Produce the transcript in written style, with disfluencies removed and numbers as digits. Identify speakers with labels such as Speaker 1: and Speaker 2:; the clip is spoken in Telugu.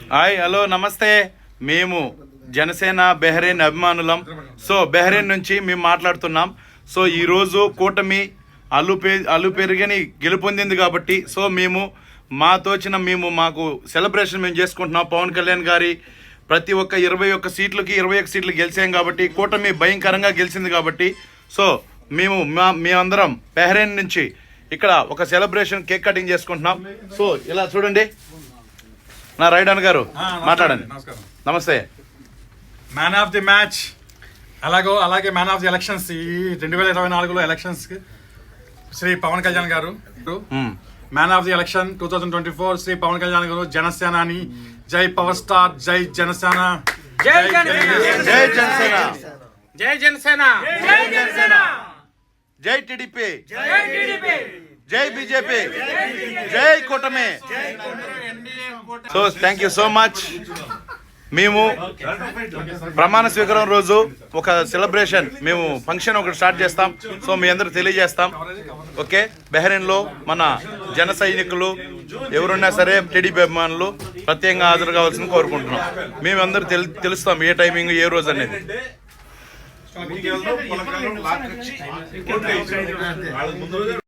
Speaker 1: హాయ్ హలో నమస్తే. మేము జనసేన బెహ్రెయిన్ అభిమానులం. సో బెహ్రెయిన్ నుంచి మేము మాట్లాడుతున్నాం. సో ఈరోజు కూటమి అల్లు పెరిగని గెలుపొందింది కాబట్టి సో మేము మాకు సెలబ్రేషన్ మేము చేసుకుంటున్నాం. పవన్ కళ్యాణ్ గారి ప్రతి ఒక్క 21 సీట్లు గెలిచాం కాబట్టి కూటమి భయంకరంగా గెలిచింది కాబట్టి సో మేమందరం బెహ్రెయిన్ నుంచి ఇక్కడ ఒక సెలబ్రేషన్ కేక్ కటింగ్ చేసుకుంటున్నాం. సో ఇలా చూడండి, నా రైడన్ గారు మాట్లాడండి. నమస్తే.
Speaker 2: మ్యాన్ ఆఫ్ ది మ్యాచ్ అలాగే మ్యాన్ ఆఫ్ ది ఎలక్షన్స్ ఈ 2024లో ఎలక్షన్స్ శ్రీ పవన్ కళ్యాణ్ గారు. Man of the election 2024 Shri Pawan Kalyan గారు. జనసేనాని జై పవర్ స్టార్, జై జనసేన,
Speaker 1: జై జనసేన,
Speaker 2: జై జనసేన,
Speaker 1: జై టీడీపీ, జై బీజేపీ, జై కూటమి. So thank you so much. మేము ప్రమాణ స్వీకారం రోజు ఒక సెలబ్రేషన్ ఫంక్షన్ ఒకటి స్టార్ట్ చేస్తాం. సో మీ అందరూ తెలియజేస్తాం. ఓకే, బెహ్రెయిన్లో మన జన సైనికులు ఎవరున్నా సరే టీడీపీ అభిమానులు ప్రత్యేకంగా హాజరు కావాల్సింది కోరుకుంటున్నాం. మేమందరూ తెలుస్తాం ఏ టైమింగ్ ఏ రోజు అనేది.